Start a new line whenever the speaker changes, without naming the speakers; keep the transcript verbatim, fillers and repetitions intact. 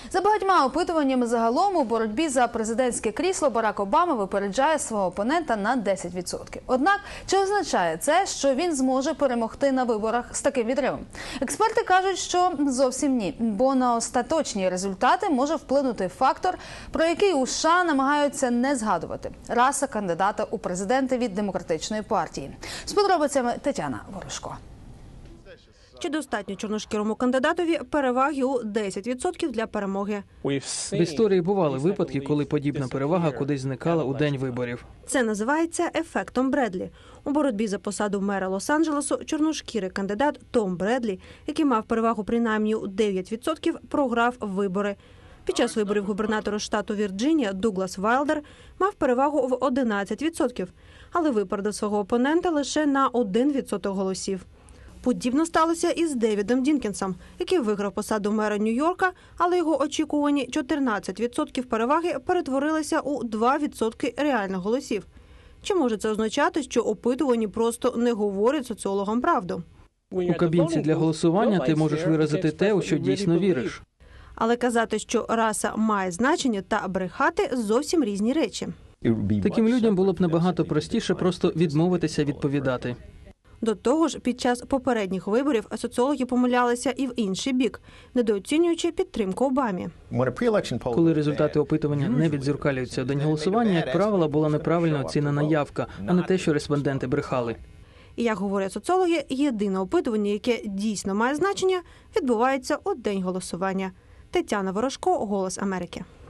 За багатьма опитуваннями загалом у боротьбі за президентське крісло Барак Обама випереджає свого опонента на десять відсотків. Однак, чи означає це, що він зможе перемогти на виборах з таким відривом? Експерти кажуть, що зовсім ні, бо на остаточні результати може вплинути фактор, про який у США намагаються не згадувати – раса кандидата у президенти від Демократичної партії. З подробицями Тетяна Ворожко.
Чи достатньо чорношкірому кандидатові переваги у десять відсотків для перемоги?
В історії бували випадки, коли подібна перевага кудись зникала у день виборів.
Це називається ефектом Бредлі. У боротьбі за посаду мера Лос-Анджелесу чорношкірий кандидат Том Бредлі, який мав перевагу принаймні у дев'ять відсотків, програв вибори. Під час виборів губернатора штату Вірджинія Дуглас Вайлдер мав перевагу в одинадцять відсотків, але випередив свого опонента лише на один відсоток голосів. Подібно сталося і з Девідом Дінкінсом, який виграв посаду мера Нью-Йорка, але його очікувані чотирнадцять відсотків переваги перетворилися у два відсотки реальних голосів. Чи може це означати, що опитувані просто не говорять соціологам правду?
У кабінці для голосування ти можеш виразити те, у що дійсно віриш.
Але казати, що раса має значення, та брехати – зовсім різні речі.
Таким людям було б набагато простіше просто відмовитися відповідати.
До того ж, під час попередніх виборів соціологи помилялися і в інший бік, недооцінюючи підтримку Обамі.
Коли результати опитування не віддзеркалюються у день голосування, як правило, була неправильно оцінена явка, а не те, що респонденти брехали.
І, як говорять соціологи, єдине опитування, яке дійсно має значення, відбувається у день голосування. Тетяна Ворожко, «Голос Америки».